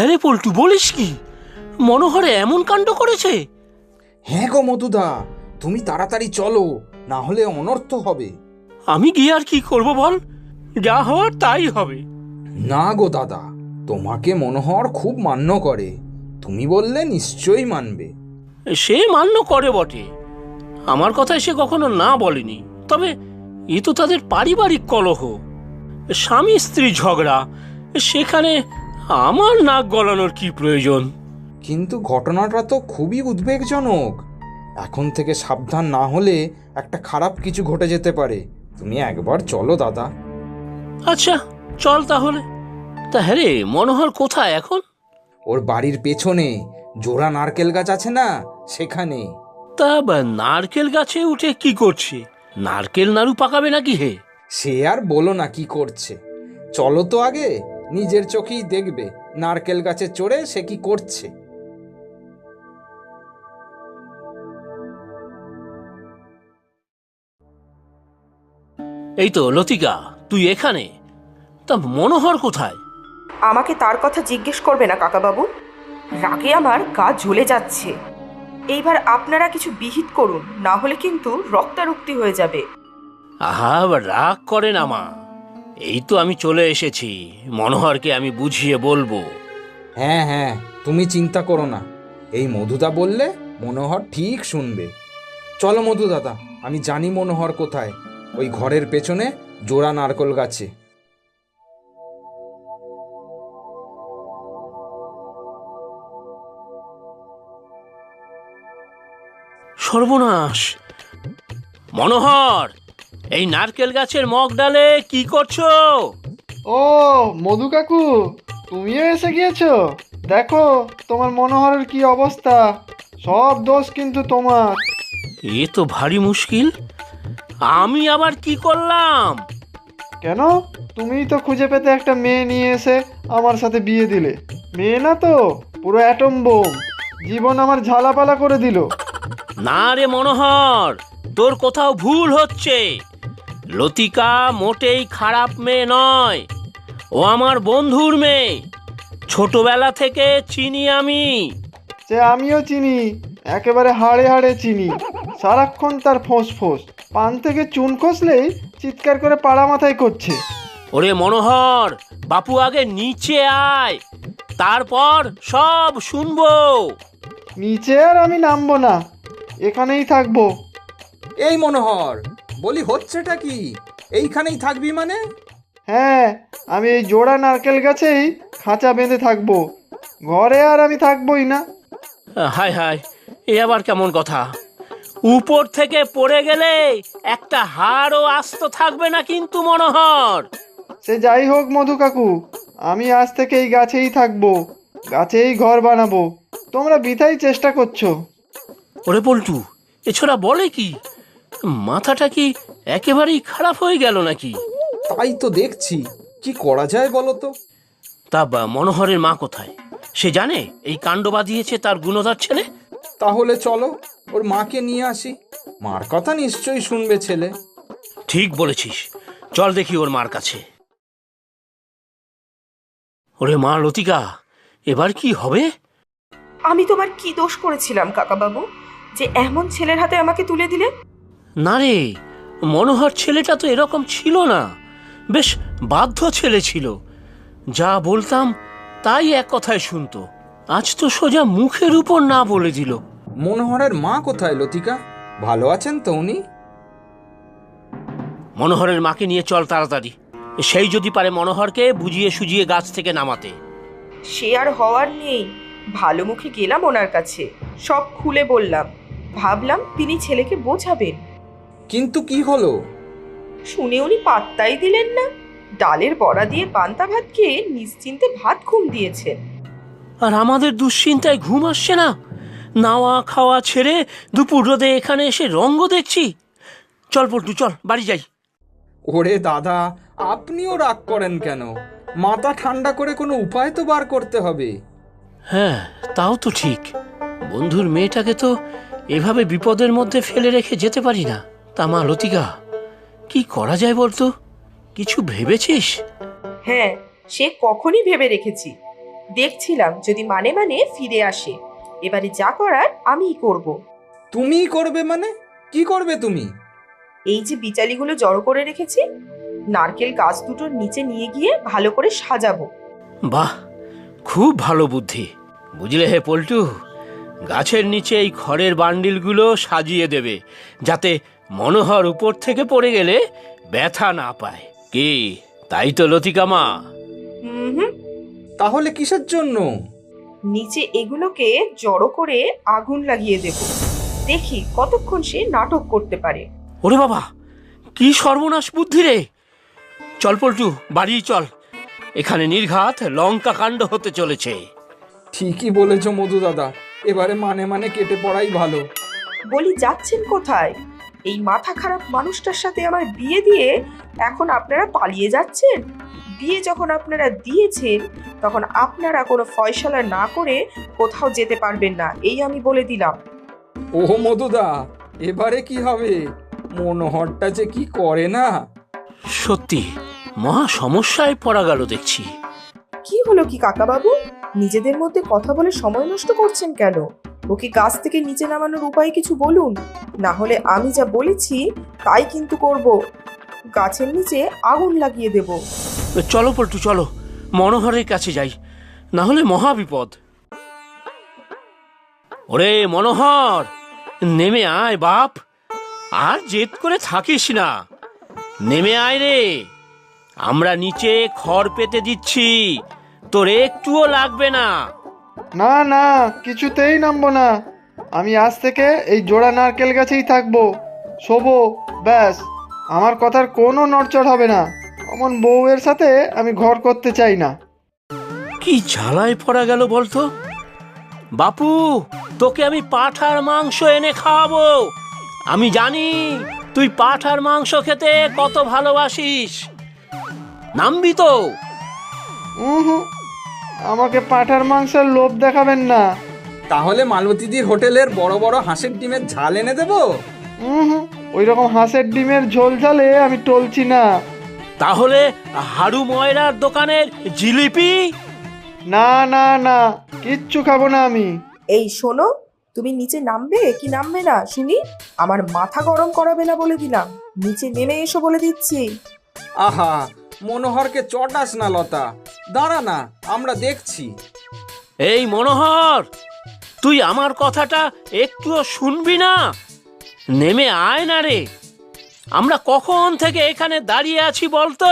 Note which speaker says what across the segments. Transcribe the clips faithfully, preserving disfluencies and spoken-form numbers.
Speaker 1: হ্যাঁ রে পল্টু, বলিস কি? মনোহরে এমন কাণ্ড করেছে?
Speaker 2: হ্যাঁ গো মধুদা, তুমি তাড়াতাড়ি চলো, না হলে অনর্থ হবে।
Speaker 1: আমি গিয়ে আর কি করব বল, যা হওয়ার তাই হবে।
Speaker 2: না গো দাদা, তোমাকে মনোহর খুব মান্য করে, তুমি বললে নিশ্চয়ই মানবে।
Speaker 1: সে মান্য করে বটে, আমার কথায় সে কখনো না বলেনি। তবে এ তো তাদের পারিবারিক কলহ, স্বামী স্ত্রী ঝগড়া, সেখানে আমার নাক গলানোর কি প্রয়োজন?
Speaker 2: কিন্তু ঘটনাটা তো খুবই উদ্বেগজনক, এখন থেকে সাবধান না হলে একটা খারাপ কিছু ঘটে যেতে পারে। তুমি একবার চলো দাদা।
Speaker 1: আচ্ছা চল তাহলে। তা হ্যাঁ রে, মনোহর কোথায় এখন?
Speaker 2: ওর বাড়ির পেছনে জোড়া নারকেল গাছ আছে না, সেখানে।
Speaker 1: তা বা নারকেল গাছে উঠে কি করছে? নারকেল নাড়ু পাকাবে নাকি হে?
Speaker 2: সে আর বলো না কি করছে, চলো তো আগে, নিজের চোখেই দেখবে নারকেল গাছে চড়ে সে কি করছে।
Speaker 1: এই তো লতিকা, তুই এখানে? তা মনোহর কোথায়?
Speaker 3: আমাকে তার কথা জিজ্ঞেস করবে না কাকাবাবু, রাগে আমার গা জ্বলে যাচ্ছে। এইবার আপনারা কিছু বিহিত করুন, না হলে কিন্তু রক্তারক্তি হয়ে যাবে।
Speaker 1: আহা, রাগ করে না মা, এই তো আমি চলে এসেছি, মনোহরকে আমি বুঝিয়ে বলবো।
Speaker 2: হ্যাঁ হ্যাঁ, তুমি চিন্তা করো না, এই মধুদা বললে মনোহর ঠিক শুনবে। চলো মধু দাদা, আমি জানি মনোহর কোথায়, ওই ঘরের পেছনে জোড়া নারকেল গাছে।
Speaker 1: সর্বনাশ! মনোহর, এই নারকেল গাছের মগ ডালে কি করছো?
Speaker 4: ও মধু কাকু, তুমিও এসে গিয়েছো? দেখো তোমার মনোহরের কি অবস্থা, সব দোষ কিন্তু তোমার।
Speaker 1: এ তো ভারী মুশকিল, আমি আবার কি করলাম?
Speaker 4: কেন? তুমিই তো খুঁজে পেতে একটা মেয়ে নিয়ে এসে আমার সাথে বিয়ে দিলে। মেয়ে না তো, পুরো অ্যাটম বোম, জীবন আমার ঝালাপালা করে দিল।
Speaker 1: না রে মনোহর, তোর কোথাও ভুল হচ্ছে। লতিকা মোটেই খারাপ মেয়ে নয়, ও আমার বন্ধুর মেয়ে, ছোটবেলা থেকে চিনি আমি।
Speaker 4: সে আমিও চিনি, একেবারে হাড়ে হাড়ে চিনি। সারাক্ষণ তার ফোঁস ফোঁস, পান থেকে চুন খসলেই চিৎকার করে পাড়া মাথায় করছে।
Speaker 1: ওরে মনোহর, বাপু আগে নিচে আয়, তারপর সব শুনবো।
Speaker 4: নিচে আর আমি নামবো না, এখানেই থাকবো।
Speaker 2: এই মনোহর, বলি হচ্ছেটা কি? এইখানেই থাকবি মানে?
Speaker 4: হ্যাঁ, আমি এই জোড়া নারকেল গাছেই খাঁচা বেঁধে থাকবো, ঘরে আর আমি থাকবোই না।
Speaker 1: হায় হায়, এ আবার কেমন কথা? উপর থেকে পড়ে গেলে একটা হাড়ও আস্ত থাকবে না কিন্তু মনোহর।
Speaker 4: সে যাই হোক মধু কাকু, আমি আজ থেকে এই গাছেই থাকবো, গাছেই ঘর বানাবো। তোমরা বৃথাই চেষ্টা করছো।
Speaker 1: ওরে পল্টু, এছাড়া বলে কি? মাথাটা কি একেবারেই খারাপ হয়ে গেল নাকি?
Speaker 2: তাই তো দেখছি, কি করা যায় বলো তো।
Speaker 1: তা বা মনোহরের মা কোথায়? সে জানে এই কাণ্ড বাঁধিয়েছে তার গুণধর ছেলে?
Speaker 2: তাহলে চলো ওর মাকে নিয়ে আসি, মার কথা নিশ্চয়ই শুনবে ছেলে।
Speaker 1: ঠিক বলেছিস, চল দেখি ওর মার কাছে। ওরে মা লতিকা, এবার কি হবে?
Speaker 3: আমি তোমার কি দোষ করেছিলাম কাকাবাবু, যে এমন ছেলের হাতে আমাকে তুলে দিলে?
Speaker 1: না রে, মনোহর ছেলেটা তো এরকম ছিল না, বেশ বাধ্য ছেলে ছিল, যা বলতাম তাই এক কথায় শুনতো। আজ তো সোজা মুখের উপর না বলে দিল।
Speaker 2: মনোহরের মা কোথায় লতিকা, ভালো আছেন তো উনি?
Speaker 1: মনোহরের মাকে নিয়ে চল তাড়াতাড়ি, সেই যদি পারে মনোহরকে বুঝিয়ে সুজিয়ে গাছ থেকে নামাতে।
Speaker 3: সে আর হওয়ার নেই, ভালো মুখে গেলাম ওনার কাছে, সব খুলে বললাম, ভাবলাম তিনি ছেলেকে বোঝাবেন।
Speaker 2: কিন্তু কি হলো?
Speaker 3: শুনে উনি পাত্তাই দিলেন না, ডালের বড়া দিয়ে পান্তা ভাত খেয়ে নিশ্চিন্তে ভাত ঘুম দিয়েছেন।
Speaker 1: আর আমাদের দুশ্চিন্তায় ঘুম আসছে না, নাওয়া খাওয়া ছেড়ে দুপুর রোদে এখানে এসে রঙ্গ দেখছি। চল পল্টু, চল বাড়ি যাই।
Speaker 2: ওরে দাদা, আপনিও রাগ করেন কেন? মাথা ঠান্ডা করে কোনো উপায় তো বার করতে হবে।
Speaker 1: হ্যাঁ, তাও তো ঠিক, বন্ধুর মেয়েটাকে তো এভাবে বিপদের মধ্যে ফেলে রেখে যেতে পারি না। তা মা লতিকা, কি করা যায় বলতো? কিছু ভেবেছিস?
Speaker 3: হ্যাঁ, সে কখনই ভেবে রেখেছি, দেখছিলাম যদি মানে মানে ফিরে আসে। এবারে যা করার আমিই করব।
Speaker 2: তুমিই করবে মানে? কি করবে তুমি?
Speaker 3: এই যে বিচালিগুলো জড়ো করে রেখেছি, নারকেল গাছ দুটোর নিচে নিয়ে গিয়ে ভালো করে সাজাবো।
Speaker 1: বাহ, খুব ভালো বুদ্ধি। বুঝলে হে পল্টু, গাছের নিচে এই খড়ের বান্ডিলগুলো সাজিয়ে দেবে, যাতে মনোহর উপর থেকে পড়ে গেলে ব্যথা না পায়। কি, তাই তো লতিকা মা?
Speaker 3: হুম হুম।
Speaker 2: তাহলে কিসের জন্য?
Speaker 3: নিচে এগুলোকে জড়ো করে আগুন লাগিয়ে দেব। দেখি কতক্ষণ সে নাটক করতে পারে।
Speaker 1: ওরে বাবা, কি সর্বনাশ বুদ্ধি রে! চল পল্টু, বাড়ি চল, এখানে নির্ঘাত লঙ্কা কাণ্ড হতে চলেছে।
Speaker 2: ঠিকই বলেছ মধু দাদা, এবারে মানে মানে কেটে পড়াই ভালো।
Speaker 3: বলি, যাচ্ছেন কোথায়? এই মাথা খারাপ মানুষটার সাথে আমার বিয়ে দিয়ে এখন আপনারা পালিয়ে যাচ্ছেন? বিয়ে যখন আপনারা দিয়েছেন, তখন আপনারা কোনো ফয়সালা না করে কোথাও যেতে পারবেন না, এই আমি বলে দিলাম।
Speaker 2: ও মধুদা, এবারে কি হবে? মনোহরটা যে কি করে না!
Speaker 1: সত্যি মহা সমস্যায় পড়া গেল দেখছি।
Speaker 3: কি হলো কি কাকাবাবু? নিজেদের মধ্যে কথা বলে সময় নষ্ট করছেন কেন? ওকে গাছ থেকে নিচে নামানোর উপায় কিছু বলুন, না হলে আমি যা বলেছি তাই কিন্তু করব। গাছের নিচে আগুন লাগিয়ে দেব।
Speaker 1: চলো পল্টু, চলো মনোহরের কাছে যাই, না হলে মহা বিপদ। ওরে মনোহর, নেমে আয় বাপ, আর জেদ করে থাকিস না, নেমে আয় রে। আমরা নিচে খড় পেতে দিচ্ছি, তোর একটুও লাগবে না।
Speaker 4: না না, কিছুতেই নামবো না। আমি আজ থেকে এই জোড়া নারকেল গাছেই থাকবো, শোবো, ব্যাস। আমার কথার কোনো নড়চড় হবে না। অমন বউয়ের সাথে আমি ঘর করতে চাই না।
Speaker 1: কি ঝালায় পড়া গেল বলতো। বাপু, তোকে আমি পাঁঠার মাংস এনে খাওয়াবো। আমি জানি তুই পাঁঠার মাংস খেতে কত ভালোবাসিস। নামবি তো?
Speaker 4: হুম, আমাকে পাঁঠার মাংসের লোভ দেখাবেন না।
Speaker 2: তাহলে মালতীদির হোটেলের বড় বড় হাঁসের ডিমের ঝাল এনে দেবো।
Speaker 4: হুম, ওই রকম হাঁসের ডিমের ঝোল ঝালে আমি টলছি না।
Speaker 1: তাহলে হাড়ু ময়রার দোকানের জিলিপি?
Speaker 4: না না না, কিচ্ছু খাবো না আমি।
Speaker 3: এই শোনো, তুমি নিচে নামবে কি নামবে না শুনি? আমার মাথা গরম করাবে না বলে দিলাম। নিচে নেমে এসো বলে দিচ্ছি।
Speaker 2: আহা, মনোহরকে চটাস না লতা, দাঁড়া না, আমরা দেখছি।
Speaker 1: এই মনোহর, তুই আমার কথাটা একটুও শুনবি না? নেমে আয় না রে। আমরা কখন থেকে এখানে দাঁড়িয়ে আছি বলতো?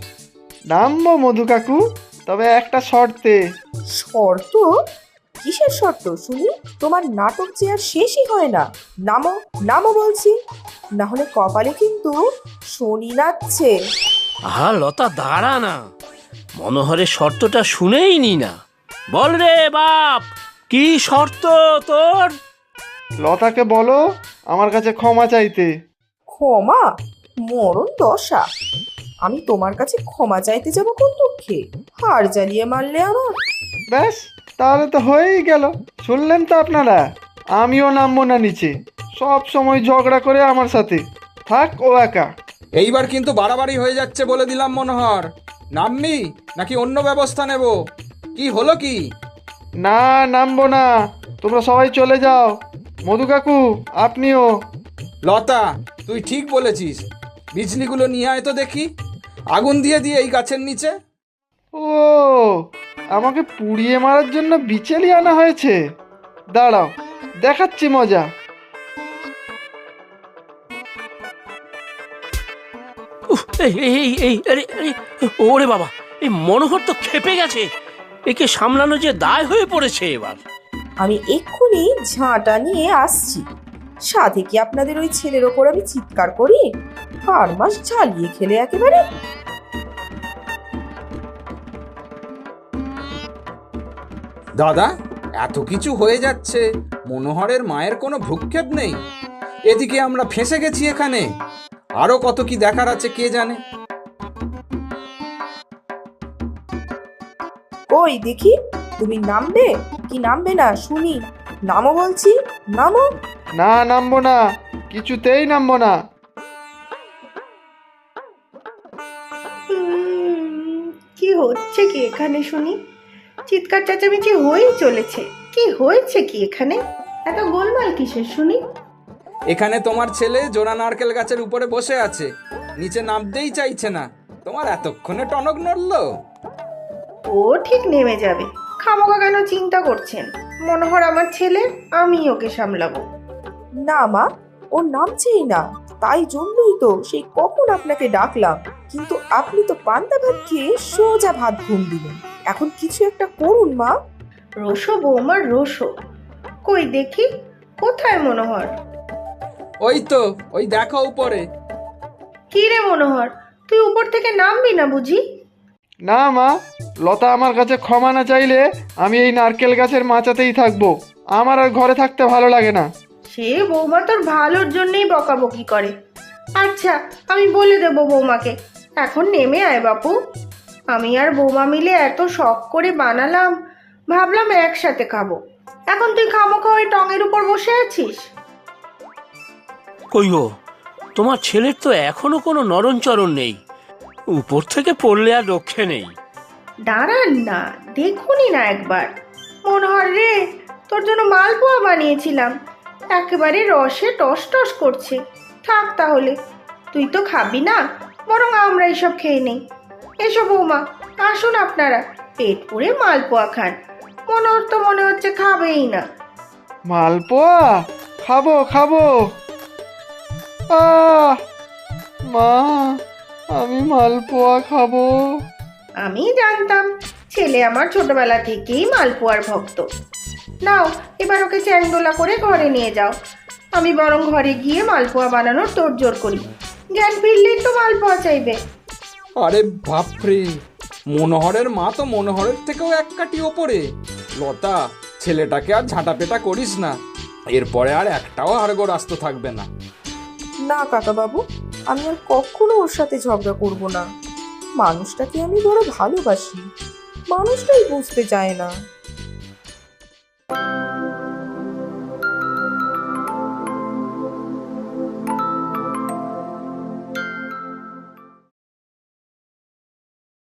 Speaker 4: নামবো মধু কাকু, তবে একটা শর্তে।
Speaker 3: শর্ত? কিসের শর্ত শুনি? তোমার নাটক যে আর শেষই হয় না। নামো নামো বলছি, না হলে কপালে কিন্তু শনি নাচছে।
Speaker 1: আহা লতা, দাঁড়া না, মনোহরের শর্তটা শুনেই নি না। বল রে বাপ, কি শর্ত তোর?
Speaker 4: লতাকে বলো আমার কাছে ক্ষমা চাইতে।
Speaker 3: ক্ষমা? মরণ দশা! আমি তোমার কাছে ক্ষমা চাইতে যাব কোন দুঃখে? হাড় জ্বালিয়ে মারলে আমার।
Speaker 4: ব্যাস, তাহলে তো হয়েই গেল। শুনলেন তো আপনারা? আমিও নামবো না নিচে। সব সময় ঝগড়া করে আমার সাথে, থাক ও একা।
Speaker 2: এইবার কিন্তু বাড়াবাড়ি হয়ে যাচ্ছে বলে দিলাম মনোহর। নামবি নাকি অন্য ব্যবস্থা নেব? কি হলো কি?
Speaker 4: না, নামবো না। তোমরা সবাই চলে যাও। মধু কাকু, আপনিও।
Speaker 2: লতা, তুই ঠিক বলেছিস। বিজলিগুলো নিয়ে আয় তো দেখি, আগুন দিয়ে দিয়ে এই গাছের নিচে।
Speaker 4: ও, আমাকে পুড়িয়ে মারার জন্য বিচেলি আনা হয়েছে। দাঁড়াও, দেখাচ্ছি মজা।
Speaker 1: উফ, এই এই এই আরে আরে, ওরে বাবা, এই মনোহর তো খেপে গেছে। একে সামলানো যে দায় হয়ে পড়েছে এবার।
Speaker 3: আমি এক্ষুনি ঝাঁটা নিয়ে আসছি। সাথে কি আপনাদের ওই ছেলের ওপর আমি চিৎকার করি? হাড় মাস ঝালিয়ে খেলে একেবারে।
Speaker 2: দাদা, এত কিছু হয়ে যাচ্ছে, মনোহরের মায়ের কোনো ভ্রুক্ষেপ নেই। এদিকে আমরা ফেঁসে গেছি এখানে। আরো কত কি দেখার আছে কে জানে।
Speaker 3: ওই দেখি, তুমি নামবে কি নামবে না শুনি? নামো বলছি, নামো।
Speaker 4: না, নামবো না, কিছুতেই নামবো না।
Speaker 5: উম, কি হচ্ছে কি এখানে শুনি? চিৎকার চেঁচামেচি হয়েই চলেছে। কি হয়েছে কি এখানে? এত গোলমাল কিসের শুনি?
Speaker 2: এখানে তোমার ছেলে জোড়া নারকেল গাছের উপরে বসে আছে, নিচে নামতেই চাইছে না। তোমার এতক্ষণে টনক নড়লো?
Speaker 5: ও ঠিক নেমে যাবে, খামোকা কেন চিন্তা করছেন? মনোহর আমার ছেলে, আমি ওকে সামলাবো।
Speaker 3: না মা, ও নামছেই না, তাই জন্যই তো সেই কখন আপনাকে ডাকলাম, কিন্তু আপনি তো পান্তা ভাত খেয়ে সোজা ভাত ঘুম দিলেন। এখন কিছু একটা করুন মা।
Speaker 5: রোশো বৌমা রোশো, কই দেখি কোথায় মনোহর?
Speaker 2: ওই তো, ওই দেখো উপরে।
Speaker 5: কি রে মনোহর, তুই উপর থেকে নামবি না বুঝি?
Speaker 4: না মা, লতা আমার কাছে ক্ষমা না চাইলে আমি এই নারকেল গাছের মাচাতেই থাকবো। আমার আর ঘরে থাকতে ভালো লাগে না।
Speaker 5: সে বৌমা তোর ভালোর জন্যই বকাবকি করে। আচ্ছা, আমি বলে দেবো বৌমাকে। এখন নেমে আয় বাপু। আমি আর বৌমা মিলে এত শখ করে বানালাম, ভাবলাম একসাথে খাবো। এখন তুই খামোখা ওই টঙের উপর বসে আছিস।
Speaker 1: কই গো, তোমার ছেলের তো এখনো কোনো নরণচরণ নেই, উপর থেকে পড়লে আর রক্ষে নেই।
Speaker 5: দাঁড়ান না, দেখুনি না একবার। মনোহর রে, তোর জন্য মালপোয়া বানিয়েছিলাম, একেবারে রসে টস টস করছে। থাক তাহলে, তুই তো খাবি না, বরং আমরা এসব খেয়ে নেই। এসো বৌমা, আসুন আপনারা, পেট পুড়ে মালপোয়া খান। মনোহর তো মনে হচ্ছে খাবেই না।
Speaker 4: মালপোয়া খাবো খাবো। আহ মা, আমি মালপোয়া খাবো।
Speaker 5: আমি জানতাম ছেলে আমার ছোটবেলা থেকেই মালপোয়ার ভক্ত। নাও, এবার ওকে চ্যাংদোলা করে ঘরে নিয়ে যাও। আমি বরং ঘরে গিয়ে মালপোয়া বানানোর তোড়জোড় করি। জ্ঞান ফিরলেই তো মালপোয়া চাইবে।
Speaker 2: আরে বাপরে, মনোহরের মা তো মনোহরের থেকেও এক কাঠি ওপরে। লতা, ছেলেটাকে আর ঝাঁটাপেটা করিস না, এরপরে আর একটাও হাড়গোড় আস্ত থাকবে না।
Speaker 3: না কাকা বাবু, আমি আর কখনো ওর সাথে ঝগড়া করব না। মানুষটাকে আমি বড় ভালোবাসি, মানুষটাই বুঝতে চায় না।